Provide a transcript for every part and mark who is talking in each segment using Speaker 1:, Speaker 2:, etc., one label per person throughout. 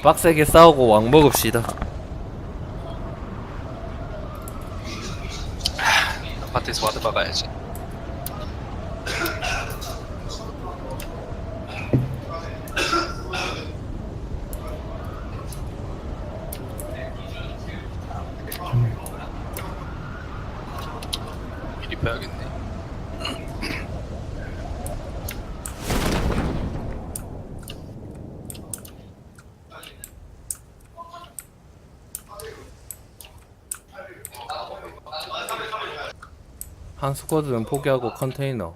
Speaker 1: 빡세게 싸우고 왕 먹읍시다.
Speaker 2: 아파트에서 와드 박아야지. 미리 봐야겠네.
Speaker 1: 한 스쿼드는 포기하고 컨테이너.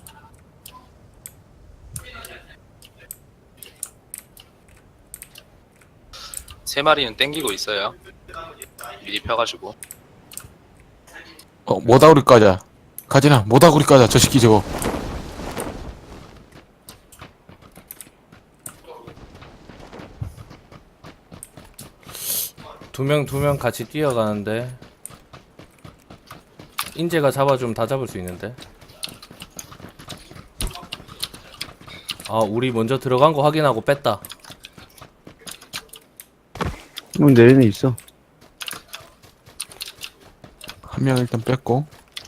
Speaker 2: 세 마리는 땡기고 있어요. 미리 펴가지고.
Speaker 3: 모다구리 까자. 가지나, 모다구리 까자. 저 새끼 저거.
Speaker 1: 두 명 같이 뛰어가는데 인재가 잡아주면 다 잡을 수 있는데. 아, 우리 먼저 들어간 거 확인하고 뺐다.
Speaker 4: 내리는 있어.
Speaker 3: 한 명 일단 뺐고.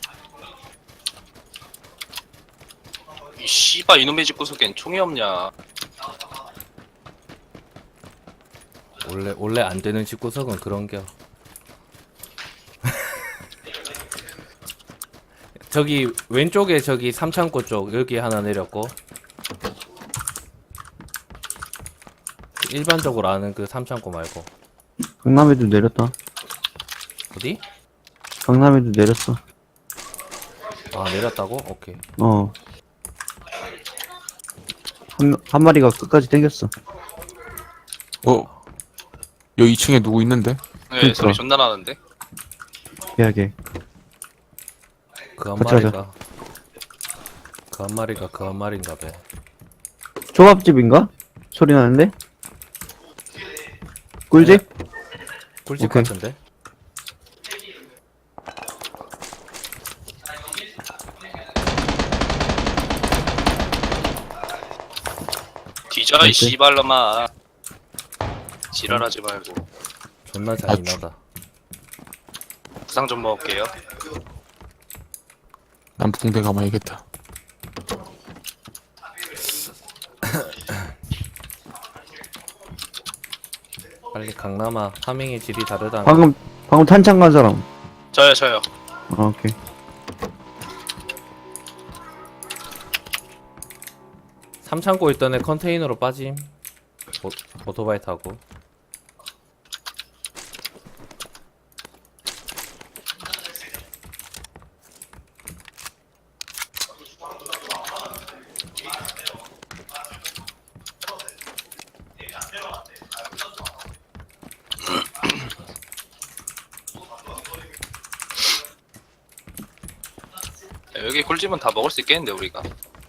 Speaker 2: 이 씨발 이놈의 집 구석엔 총이 없냐.
Speaker 1: 원래 안 되는 집구석은 그런겨. 저기 왼쪽에 저기 삼창고 쪽 여기 하나 내렸고, 일반적으로 아는 그 삼창고 말고.
Speaker 4: 강남에도 내렸다.
Speaker 1: 어디?
Speaker 4: 강남에도 내렸어.
Speaker 1: 아, 내렸다고? 오케이.
Speaker 4: 한 마리가 끝까지 땡겼어.
Speaker 3: 여기 2층에 누구 있는데?
Speaker 2: 네,
Speaker 4: 그러니까.
Speaker 2: 소리 존나 나는데.
Speaker 4: 미안하게.
Speaker 1: 그 한
Speaker 4: 같이
Speaker 1: 마리가 그 한 마리인가 봐.
Speaker 4: 초밥집인가? 소리 나는데? 꿀집?
Speaker 1: 꿀집
Speaker 4: 오케이.
Speaker 1: 같은데?
Speaker 2: 뒤져 이
Speaker 4: 어때?
Speaker 2: 씨발놈아. 지랄하지 말고.
Speaker 1: 존나 잔인하다.
Speaker 2: 부상 좀 먹을게요.
Speaker 3: 남북공대 가봐야겠다.
Speaker 1: 빨리 강남아, 파밍의 질이 다르다.
Speaker 4: 방금 탄창 간 사람.
Speaker 2: 저요.
Speaker 4: 오케이.
Speaker 1: 삼창고 있던 애 컨테이너로 빠짐. 오토바이 타고.
Speaker 2: 여기 꿀집은 다 먹을 수 있겠는데 우리가.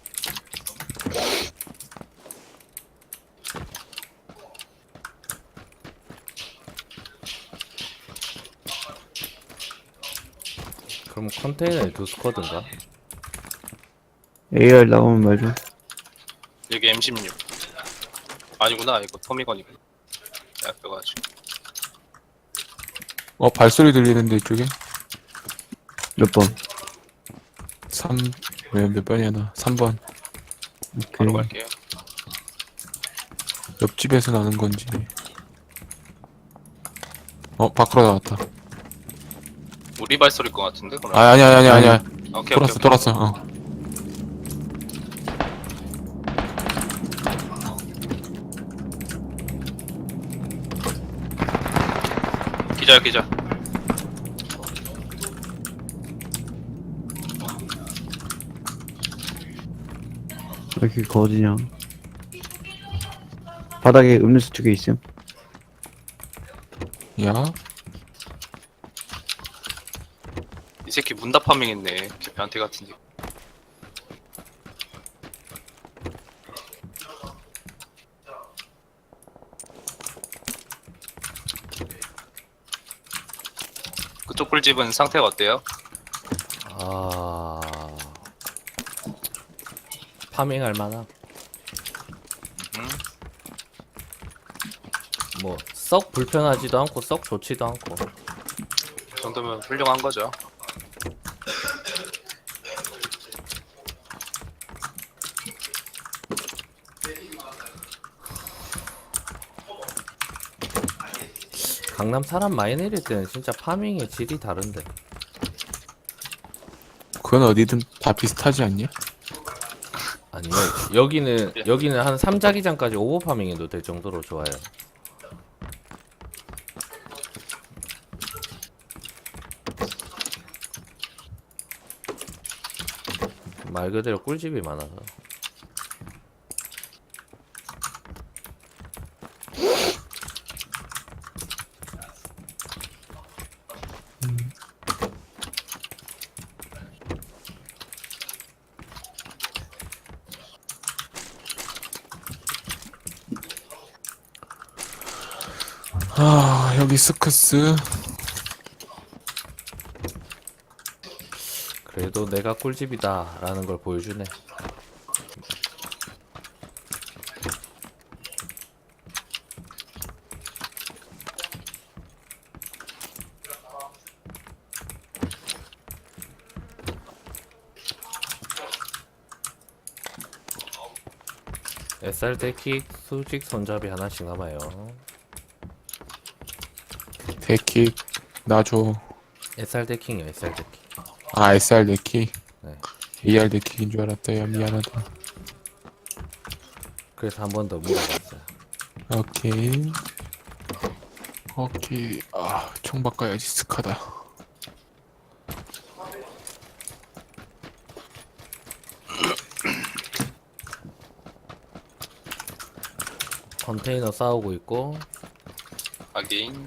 Speaker 1: 그럼 컨테이너에 두 스쿼드인가?
Speaker 4: AR 나오면 말 좀.
Speaker 2: 여기 M16. 아니구나, 이거 토미건이구나. 내가 껴가지고.
Speaker 3: 발소리 들리는데 이쪽에?
Speaker 4: 몇 번?
Speaker 3: 3, 몇 번이야 나? 3번.
Speaker 2: 바로
Speaker 4: 오케이.
Speaker 2: 갈게요.
Speaker 3: 옆집에서 나는 건지. 밖으로 나왔다.
Speaker 2: 우리 발소리일 것 같은데? 그럼.
Speaker 3: 아니야.
Speaker 2: 오케이.
Speaker 3: 돌았어.
Speaker 2: 기자.
Speaker 4: 왜 이렇게 거지냐. 바닥에 음료수 2개 있음.
Speaker 3: 야,
Speaker 2: 이 새끼 문다 파밍했네. 개편태 같은데. 그쪽 꿀집은 상태가 어때요?
Speaker 1: 아, 파밍할 만함.
Speaker 2: 음?
Speaker 1: 뭐 썩 불편하지도 않고 썩 좋지도 않고.
Speaker 2: 그 정도면 훌륭한 거죠.
Speaker 1: 강남 사람 많이 내릴 때는 진짜 파밍의 질이 다른데.
Speaker 3: 그건 어디든 다 비슷하지 않냐?
Speaker 1: 아니요. 여기는 한 3자기장까지 오버파밍해도 될 정도로 좋아요. 말 그대로 꿀집이 많아서.
Speaker 3: 아, 여기 스크스.
Speaker 1: 그래도 내가 꿀집이다 라는 걸 보여주네. SR 데킥 수직 손잡이 하나씩 남아요.
Speaker 3: 데킥 놔줘.
Speaker 1: SR 데킥이요, SR 데킥.
Speaker 3: 아, SR 데킥.
Speaker 1: 네.
Speaker 3: AR 데킥인 줄 알았다. 야, 미안하다.
Speaker 1: 그래서 한 번 더 물어봤어요.
Speaker 3: 오케이. 오케이. 아, 총 바꿔야지. 스카다.
Speaker 1: 컨테이너 싸우고 있고.
Speaker 2: 하긴.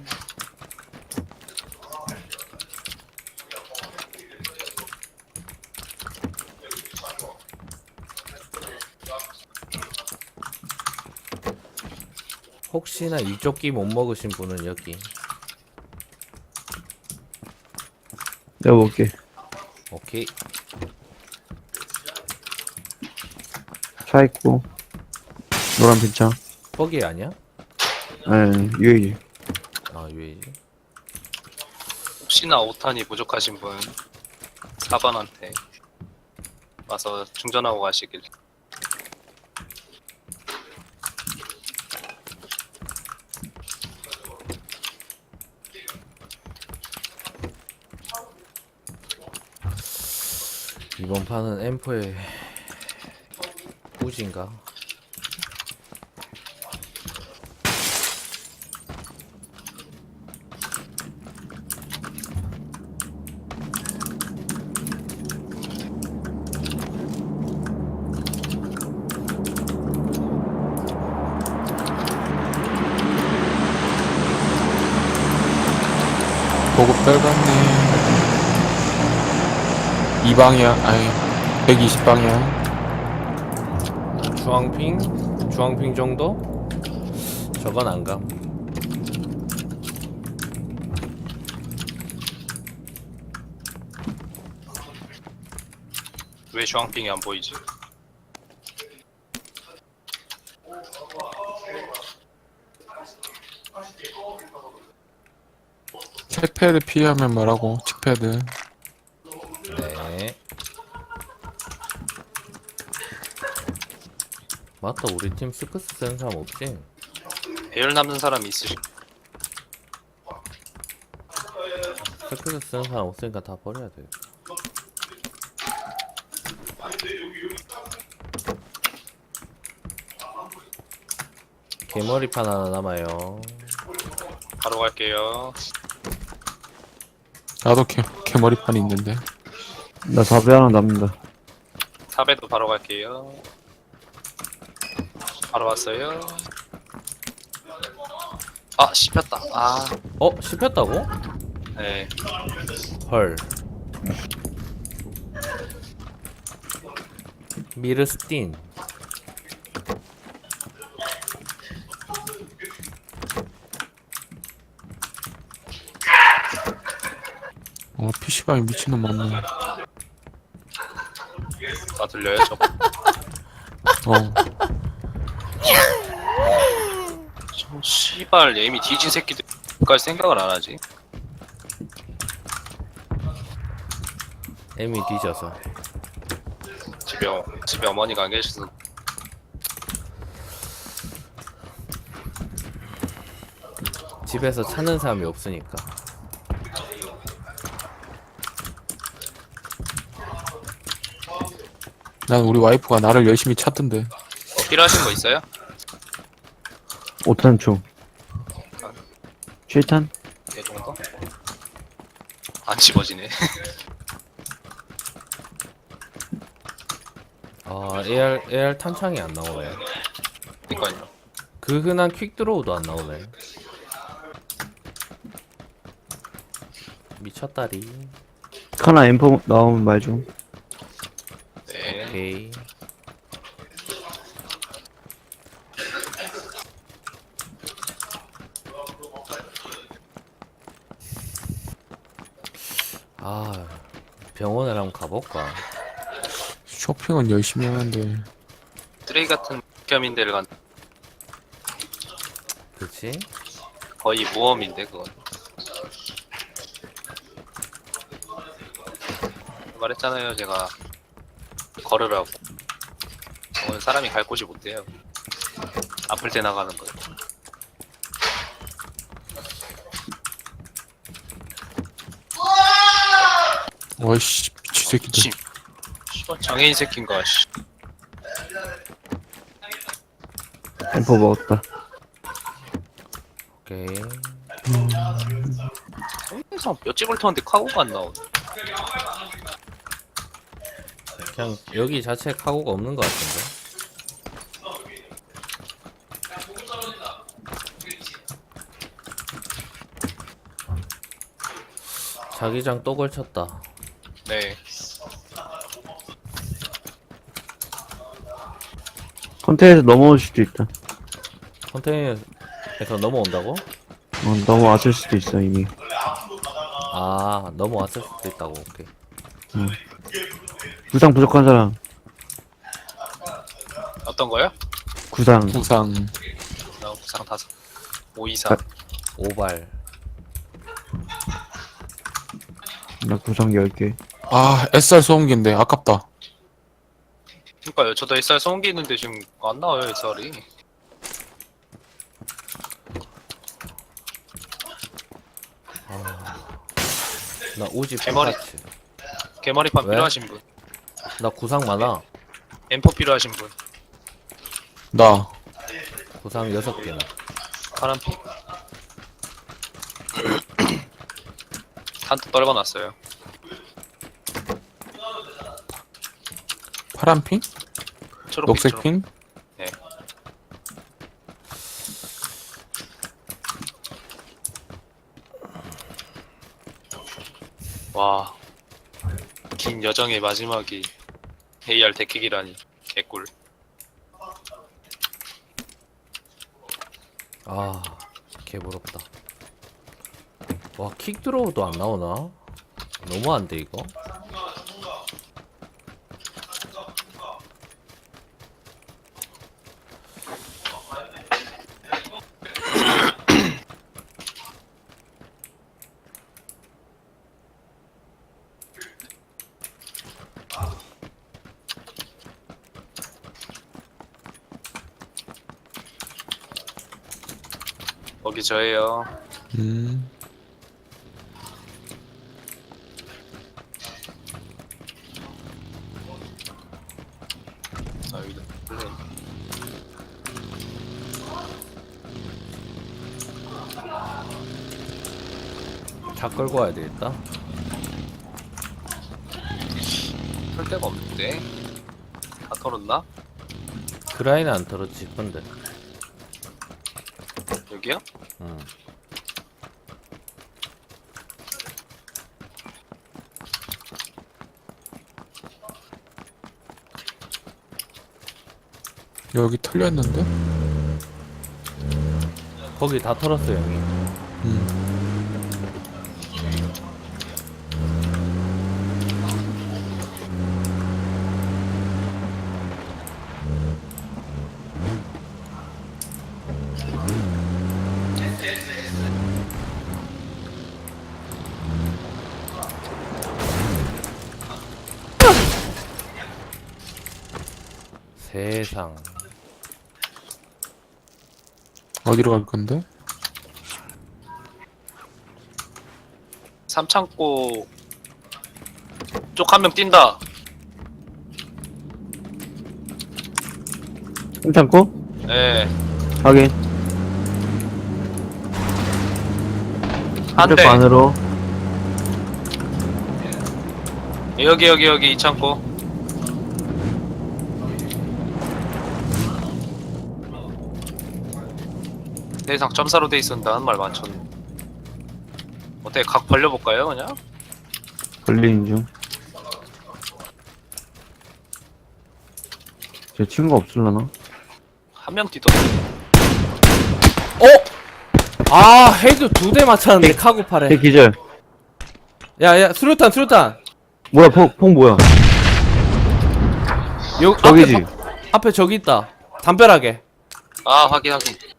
Speaker 1: 혹시나 이쪽기 못 먹으신 분은 여기.
Speaker 4: 내가 먹을게.
Speaker 1: 오케이.
Speaker 4: 차 있고. 노란 빈차.
Speaker 1: 거기 아니야?
Speaker 4: 네, UAG.
Speaker 1: 아, UAG.
Speaker 2: 혹시나 5탄이 부족하신 분 4번한테 와서 충전하고 가시길.
Speaker 1: 이번 판은 M4의 우진가?
Speaker 3: 보급 떨갔네. 이 방향, 아니, 120방향.
Speaker 1: 주황핑 정도? 저건 안 감.
Speaker 2: 왜 주황핑이 안 보이지?
Speaker 3: 책패드 피하면 뭐라고? 칙패드.
Speaker 1: 네. 맞다, 우리 팀 스크스 쓰는 사람 없지?
Speaker 2: 배열 남는 사람이 있으시.
Speaker 1: 스크스 쓰는 사람 없으니까 다 버려야 돼. 개머리판 하나 남아요.
Speaker 2: 바로 갈게요.
Speaker 3: 나도 개머리판이 있는데.
Speaker 4: 나 4배 하나 남는다.
Speaker 2: 4배도 바로 갈게요. 바로 왔어요. 아, 씹혔다. 아,
Speaker 1: 씹혔다고?
Speaker 2: 네.
Speaker 1: 헐. 미르스틴.
Speaker 3: PC방에 미친놈 많네.
Speaker 2: 다 들려요, 저.
Speaker 3: 어.
Speaker 2: 저 씨발 씨발 에임이 뒤진 새끼들까지 생각을 안 하지.
Speaker 1: 애미 뒤져서.
Speaker 2: 집에 어머니가 안 계셔서.
Speaker 1: 집에서 찾는 사람이 없으니까.
Speaker 3: 난 우리 와이프가 나를 열심히 찾던데.
Speaker 2: 필요하신 거 있어요?
Speaker 4: 5탄 총. 7탄?
Speaker 2: 이 정도? 안 집어지네.
Speaker 1: 아, AR 탄창이 안 나오네.
Speaker 2: 그니까요.
Speaker 1: 그 흔한 퀵드로우도 안 나오네. 미쳤다리.
Speaker 4: 카나 M4 나오면 말 좀.
Speaker 2: 네.
Speaker 1: 오케이. 아, 병원을 한번 가볼까?
Speaker 3: 쇼핑은 열심히 하는데.
Speaker 2: 쓰레기 같은 겸인데를 간
Speaker 1: 그치?
Speaker 2: 거의 모험인데 그건. 말했잖아요 제가 걸으라고. 오늘 사람이 갈 곳이 못 돼요. 아플 때 나가는 거예요.
Speaker 3: 와이씨, 미친 새끼들.
Speaker 2: 씨발 장애인 새끼인가 씨.
Speaker 4: M4 먹었다.
Speaker 1: 오케이.
Speaker 2: 항상 뼈집을 터는데 카고가 안 나오네.
Speaker 1: 그냥 여기 자체에 카고가 없는 것 같은데. 자기장 또 걸쳤다.
Speaker 2: 네.
Speaker 4: 컨테이너에서 넘어올 수도 있다.
Speaker 1: 컨테이너에서 넘어온다고?
Speaker 4: 넘어왔을 수도 있어, 이미.
Speaker 1: 아, 넘어왔을 수도 있다고. 오케이.
Speaker 4: 구상 부족한 사람.
Speaker 2: 어떤 거요?
Speaker 4: 구상.
Speaker 3: 부상.
Speaker 2: 나 부상 5. 524.
Speaker 1: 오발.
Speaker 4: 나 구상 10개.
Speaker 3: 아, SR 소음기인데 아깝다.
Speaker 2: 그니까요 저도 SR 소음기 있는데 지금 안 나와요 SR이.
Speaker 1: 나 우지
Speaker 2: 대머리.
Speaker 1: 풀파츠.
Speaker 2: 개머리판
Speaker 1: 왜?
Speaker 2: 필요하신 분.
Speaker 1: 나 구상 많아.
Speaker 2: M4 필요하신 분.
Speaker 3: 나.
Speaker 1: 구상 6개나.
Speaker 2: 파란피. 한턱 떨궈놨어요.
Speaker 3: 파란핑?
Speaker 2: 초록빛,
Speaker 3: 녹색핑?
Speaker 2: 네. 와. 긴 여정의 마지막이 AR 데킥이라니. 개꿀.
Speaker 1: 아, 개부럽다. 와, 킥드로우도 안 나오나? 너무한데 이거?
Speaker 2: 거기 저예요.
Speaker 3: 음.
Speaker 2: 아 여기다. 플레이.
Speaker 1: 차 끌고 와야 되겠다.
Speaker 2: 풀 데가 없는데. 다 털었나?
Speaker 1: 그라인은 안 털었지, 근데.
Speaker 2: 여기요?
Speaker 1: 응.
Speaker 3: 여기 털렸는데?
Speaker 1: 거기 다 털었어, 형이.
Speaker 3: 음.
Speaker 1: 세상.
Speaker 3: 어디로 갈 건데?
Speaker 2: 삼창고 쪽 한 명 뛴다.
Speaker 4: 괜찮고?
Speaker 2: 예.
Speaker 4: 확인.
Speaker 2: 한
Speaker 4: 한쪽
Speaker 2: 대.
Speaker 4: 안으로.
Speaker 2: 여기 이 창고. 내상 점사로 돼 있었다는 말 많잖아. 어떻게 각 벌려볼까요, 그냥?
Speaker 4: 걸리는 중. 제 친구가 없을라나?
Speaker 2: 한 명 뛰던데.
Speaker 1: 어? 아, 헤드 2대 맞췄는데 카고
Speaker 4: 제
Speaker 1: 팔에.
Speaker 4: 기절.
Speaker 1: 야, 수류탄.
Speaker 4: 뭐야, 폭 뭐야?
Speaker 1: 요
Speaker 4: 저기지.
Speaker 1: 앞에 저기 있다. 담벼락에.
Speaker 2: 아, 확인.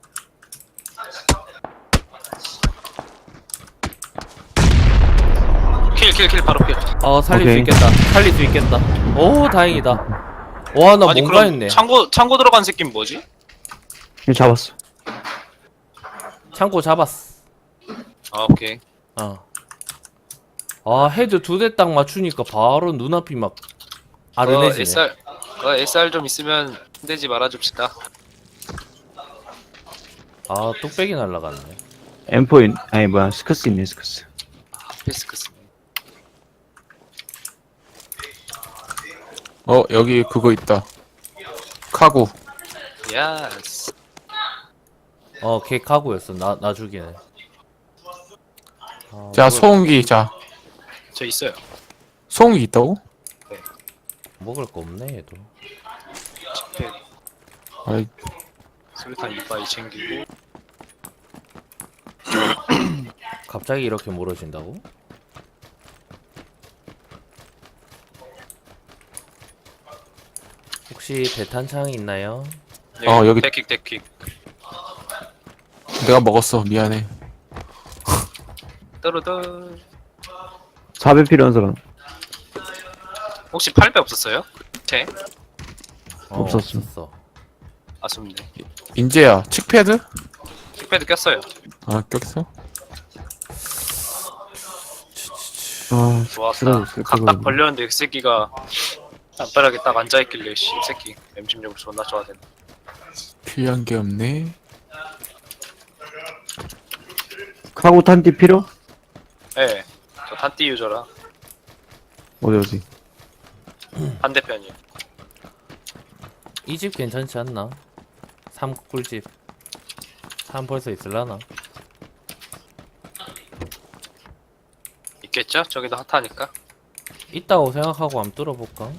Speaker 2: 킬, 바로 킬.
Speaker 1: 살릴
Speaker 4: 오케이.
Speaker 1: 살릴 수 있겠다. 오, 다행이다. 와, 나
Speaker 2: 아니,
Speaker 1: 뭔가
Speaker 2: 그럼
Speaker 1: 했네.
Speaker 2: 창고 들어간 새끼는 뭐지?
Speaker 4: 이거 잡았어.
Speaker 1: 창고 잡았어.
Speaker 2: 아, 오케이.
Speaker 1: 헤드 2대 딱 맞추니까 바로 눈앞이 막 아른해지네.
Speaker 2: SR 좀 있으면 흔들지 말아줍시다.
Speaker 1: 뚝배기 날라갔네.
Speaker 4: M4 아니 뭐야, 스커스 있네, 스커스.
Speaker 2: 피스크스.
Speaker 3: 여기 그거 있다. 카구.
Speaker 2: 야스.
Speaker 1: 걔 카고였어. 나 죽이네.
Speaker 3: 자, 소음기. 자,
Speaker 2: 저 있어요.
Speaker 3: 소음기 있다고?
Speaker 1: 먹을 거 없네, 얘도.
Speaker 2: 집회
Speaker 3: 아이,
Speaker 2: 수류탄 이빨 챙기고.
Speaker 1: 갑자기 이렇게 멀어진다고? 혹시 대탄창이 있나요?
Speaker 3: 여기-
Speaker 2: 데킥.
Speaker 3: 내가 먹었어. 미안해.
Speaker 2: 떠르르.
Speaker 4: 4배 필요한 사람.
Speaker 2: 혹시 8배 없었어요? 제?
Speaker 4: 없었어.
Speaker 2: 아쉽네.
Speaker 3: 인재야, 칙패드?
Speaker 2: 킥패드 꼈어요.
Speaker 3: 아, 꼈어?
Speaker 4: 아,
Speaker 2: 좋았다. 각 딱 벌렸는데 그 새끼가 담벼락에 딱 앉아있길래 씨, 이 새끼 M16 존나 좋아하네.
Speaker 3: 필요한 게 없네.
Speaker 4: 카고 탄띠 필요?
Speaker 2: 예. 저 탄띠 유저라
Speaker 4: 어디?
Speaker 2: 반대편이에요.
Speaker 1: 이 집 괜찮지 않나? 3꿀집. 3 벌써 있을라나?
Speaker 2: 있겠죠? 저기도 핫하니까.
Speaker 1: 있다고 생각하고 한번 뚫어볼까?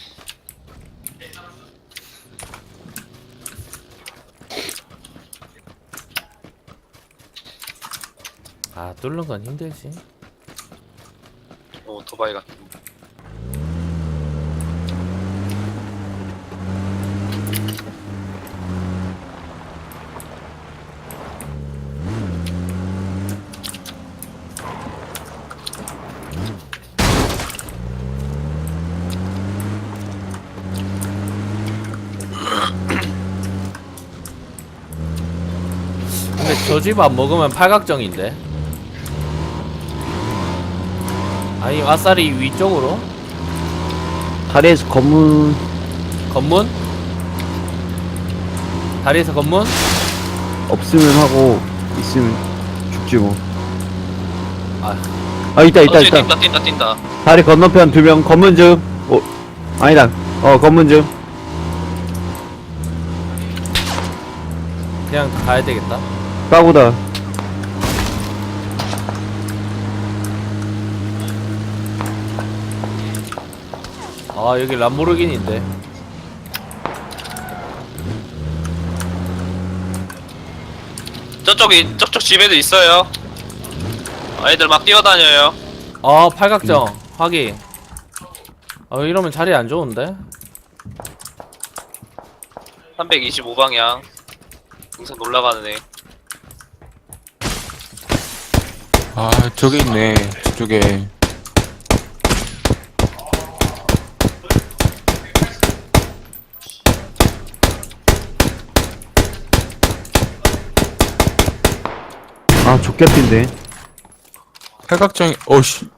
Speaker 1: 뚫는 건 힘들지.
Speaker 2: 오토바이 같은.
Speaker 1: 근데 저 집 안 먹으면 팔각정인데. 아니, 아싸리 위쪽으로?
Speaker 4: 다리에서 검문.
Speaker 1: 건문? 다리에서 건문?
Speaker 4: 없으면 하고 있으면 죽지 뭐. 있다.
Speaker 2: 저기 뛴다.
Speaker 4: 다리 건너편 2명 검문 중. 아니다. 검문 중.
Speaker 1: 그냥 가야 되겠다.
Speaker 4: 까고다.
Speaker 1: 여기 람보르기니인데.
Speaker 2: 저쪽 집에도 있어요. 애들 막 뛰어다녀요.
Speaker 1: 팔각정. 확인. 이러면 자리 안 좋은데?
Speaker 2: 325방향. 우선 올라가는 애.
Speaker 3: 아, 저기 있네. 저쪽에.
Speaker 4: 아, 족개핀데.
Speaker 3: 팔각정이, 어씨.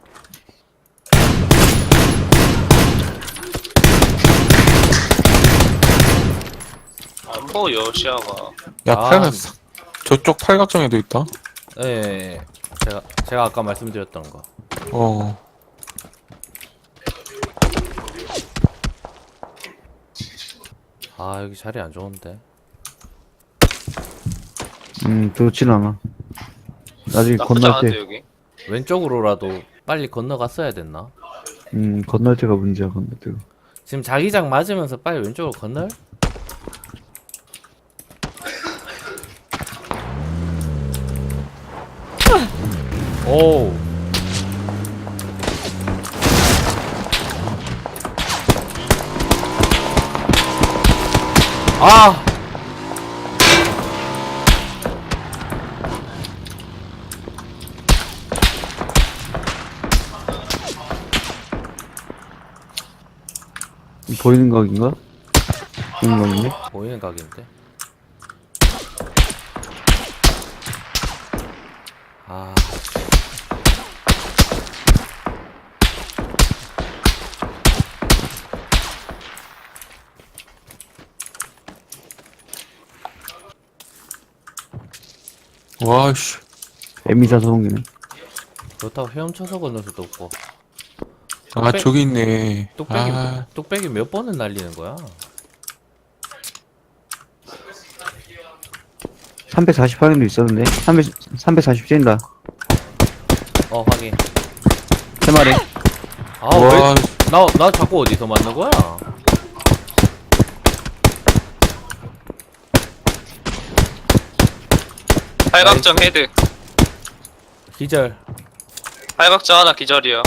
Speaker 2: 안 보여 시야가.
Speaker 3: 야,
Speaker 1: 아.
Speaker 3: 저쪽 팔각정에도 있다.
Speaker 1: 예, 예, 예. 제가 아까 말씀드렸던 거.
Speaker 3: 어.
Speaker 1: 아, 여기 자리 안 좋은데.
Speaker 4: 좋진 않아. 나중에
Speaker 2: 나쁘지
Speaker 4: 건널
Speaker 2: 않은데
Speaker 4: 때,
Speaker 2: 여기.
Speaker 1: 왼쪽으로라도 빨리 건너갔어야 됐나?
Speaker 4: 건널 때가 문제야, 건널 때가.
Speaker 1: 지금 자기장 맞으면서 빨리 왼쪽으로 건널? 오. 아!
Speaker 4: 보이는 각인가? 보이는 각인데?
Speaker 1: 보이는 각인데. 아.
Speaker 3: 와씨.
Speaker 4: 에미사 소음기네.
Speaker 1: 그렇다고 헤엄쳐서 건널 수도 없고.
Speaker 3: 아, 저기 있네.
Speaker 1: 뚝배기,
Speaker 3: 아,
Speaker 1: 뚝배기 몇 번을 날리는 거야?
Speaker 4: 348인도 있었는데? 340 뛴다.
Speaker 1: 어, 확인.
Speaker 4: 3마리.
Speaker 1: 아,
Speaker 3: 와,
Speaker 1: 왜? 나 자꾸 어디서 맞는 거야?
Speaker 2: 팔각정 헤드.
Speaker 1: 기절.
Speaker 2: 팔각정 하나 기절이야.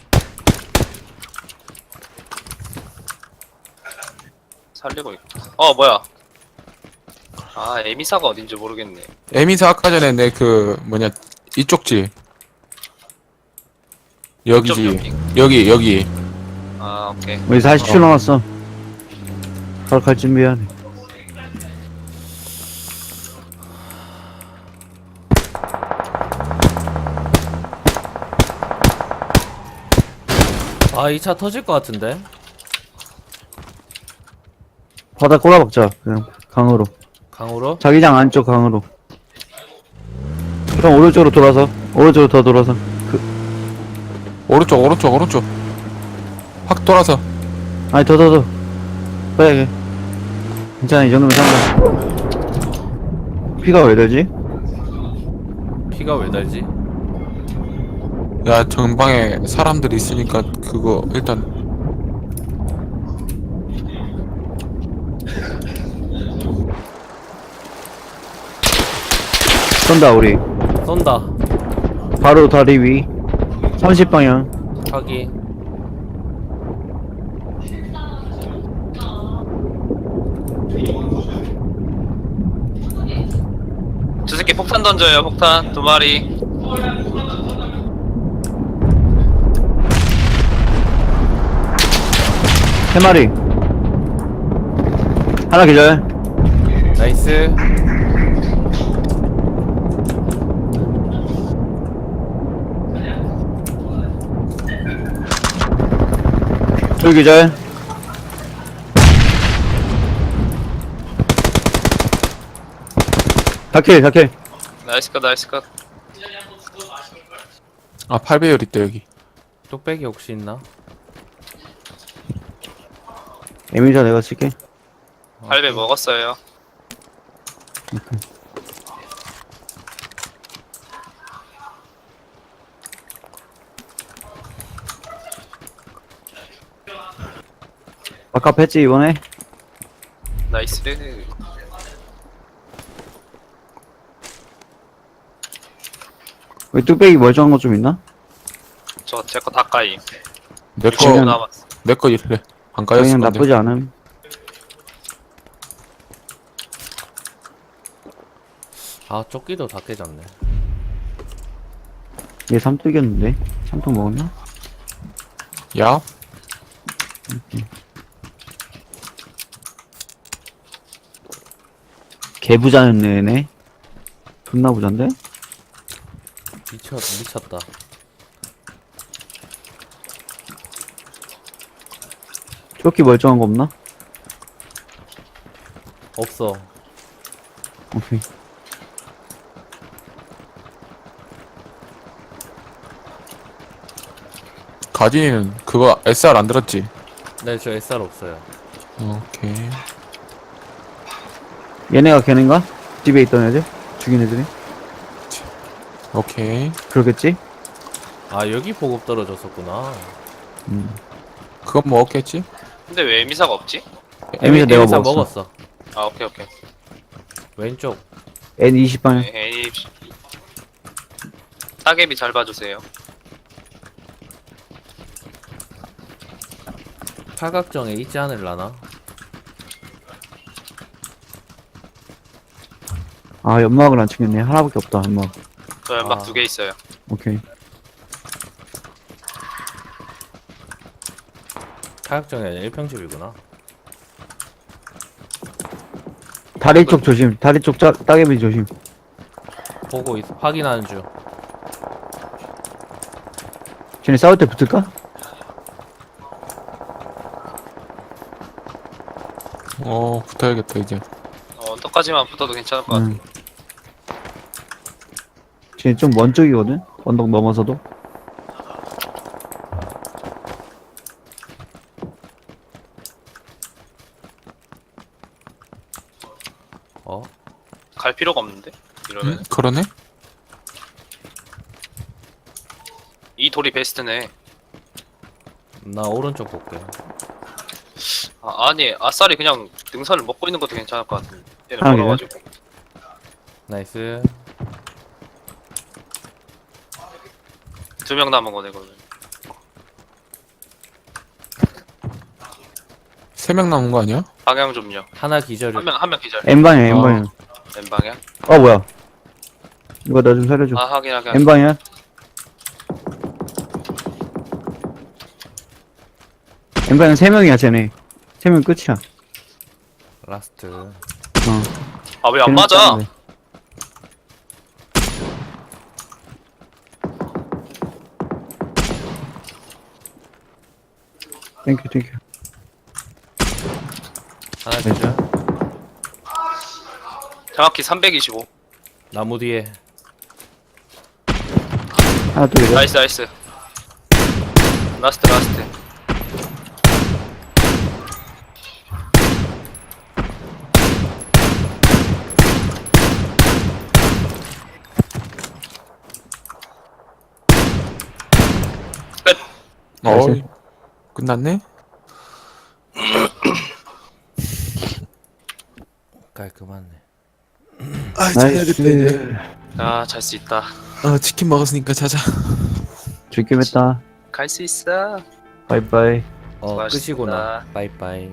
Speaker 2: 살리고 있고. 뭐야? 아 에미사가 어딘지 모르겠네.
Speaker 3: 에미사 아까 전에 내 뭐냐, 이쪽지. 여기지. 여기.
Speaker 2: 아 오케이.
Speaker 4: 우리 40초 남았어. 바로 갈 준비해야 돼.
Speaker 1: 아, 이 차 터질 것 같은데?
Speaker 4: 바다 꼬라박자, 그냥, 강으로.
Speaker 1: 강으로?
Speaker 4: 자기장 안쪽 강으로. 그럼 오른쪽으로 돌아서. 오른쪽으로 더 돌아서.
Speaker 3: 오른쪽. 확 돌아서.
Speaker 4: 아니, 더. 빨리. 괜찮아, 이 정도면 상관. 피가 왜 되지?
Speaker 1: 피가 왜 달지?
Speaker 3: 야, 전방에 사람들이 있으니까 그거 일단
Speaker 4: 쏜다, 우리.
Speaker 1: 쏜다.
Speaker 4: 바로 다리 위. 30방향.
Speaker 1: 확인.
Speaker 2: 저 새끼 폭탄 던져요. 폭탄 2마리.
Speaker 4: 세 마리. 하나 기절.
Speaker 1: 나이스.
Speaker 4: 둘 기절. 다킬.
Speaker 2: 나이스 컷.
Speaker 3: 아, 8배율 있다 여기.
Speaker 1: 뚝배기 혹시 있나?
Speaker 4: 에미사 내가 쓸게.
Speaker 2: 8배 먹었어요.
Speaker 4: 아까 했지 이번에?
Speaker 2: 나이스.
Speaker 4: 왜 뚝배기 멀쩡한 거 좀 있나?
Speaker 2: 저 제 거 다까이.
Speaker 3: 내거
Speaker 4: 그냥-
Speaker 2: 남았어.
Speaker 3: 내거 이래. 안 까였을
Speaker 4: 그냥
Speaker 3: 건데.
Speaker 4: 나쁘지 않음.
Speaker 1: 아, 조끼도 다 깨졌네.
Speaker 4: 얘 삼뚝이었는데? 삼뚝 먹었나?
Speaker 3: 야,
Speaker 4: 개부자였네 얘네. 존나 부잔데?
Speaker 1: 미쳤다.
Speaker 4: 조끼 멀쩡한 거 없나?
Speaker 1: 없어.
Speaker 4: 오케이.
Speaker 3: 가진이는 그거 SR 안 들었지?
Speaker 1: 네, 저 SR 없어요.
Speaker 3: 오케이.
Speaker 4: 얘네가 걔네인가? 집에 있던 애들? 죽인 애들이?
Speaker 3: 오케이.
Speaker 4: 그러겠지?
Speaker 1: 아, 여기 보급 떨어졌었구나.
Speaker 3: 그건 먹었겠지?
Speaker 2: 근데 왜 에미사가 없지?
Speaker 4: 에미사 내가
Speaker 1: 에미사
Speaker 4: 먹었어.
Speaker 1: 먹었어.
Speaker 2: 아 오케이 오케이.
Speaker 1: 왼쪽.
Speaker 4: N20방향.
Speaker 2: 에이 따개비 잘 봐주세요.
Speaker 1: 팔각정에 있지 않을라나?
Speaker 4: 아, 연막을 안 챙겼네. 하나밖에 없다, 연막.
Speaker 2: 저 연막
Speaker 1: 아.
Speaker 2: 2개 있어요.
Speaker 4: 오케이.
Speaker 1: 팔각정이 아니라 1평집이구나.
Speaker 4: 다리 쪽 조심. 다리 쪽 따개비 조심.
Speaker 1: 보고 확인하는 중.
Speaker 4: 쟤네 싸울 때 붙을까?
Speaker 3: 붙어야겠다, 이제.
Speaker 2: 언덕까지만 붙어도 괜찮을 것 같아.
Speaker 4: 쟤네 좀 먼 쪽이거든? 언덕 넘어서도.
Speaker 1: 어?
Speaker 2: 갈 필요가 없는데? 이러면
Speaker 3: 그러네?
Speaker 2: 이 돌이 베스트네.
Speaker 1: 나 오른쪽 볼게.
Speaker 2: 아니 아싸리 그냥 능선을 먹고 있는 것도 괜찮을 것 같은데. 얘는
Speaker 4: 하긴.
Speaker 2: 멀어가지고.
Speaker 1: 나이스.
Speaker 2: 2명 남은 거네 그러면.
Speaker 3: 3명 남은 거 아니야?
Speaker 2: 방향 좀요.
Speaker 1: 하나 기절이.
Speaker 2: 한 명 기절.
Speaker 4: N방향, N방향.
Speaker 2: N 방향.
Speaker 4: 어, 뭐야. 이거 나 좀 살려줘.
Speaker 2: 아 확인.
Speaker 4: N방향. N방향 3명이야, 쟤네. 3명 끝이야.
Speaker 1: 라스트.
Speaker 2: 아 왜 안
Speaker 4: 쟤는
Speaker 2: 맞아?
Speaker 4: 싸우네. 땡큐.
Speaker 1: 하나 기절.
Speaker 2: 정확히 325.
Speaker 1: 나무 뒤에.
Speaker 4: 하나 또 이래.
Speaker 2: 나이스. 라스트. 끝.
Speaker 4: 나이스.
Speaker 3: 끝났네?
Speaker 1: 깔끔하네.
Speaker 4: 나이스.
Speaker 2: 잘 수 있다.
Speaker 3: 치킨 먹었으니까 자자.
Speaker 4: 즐겨 했다.
Speaker 2: 갈 수 있어.
Speaker 4: 바이바이.
Speaker 1: 끝이구나.
Speaker 2: 수고하셨습니다.
Speaker 1: 빠이빠이.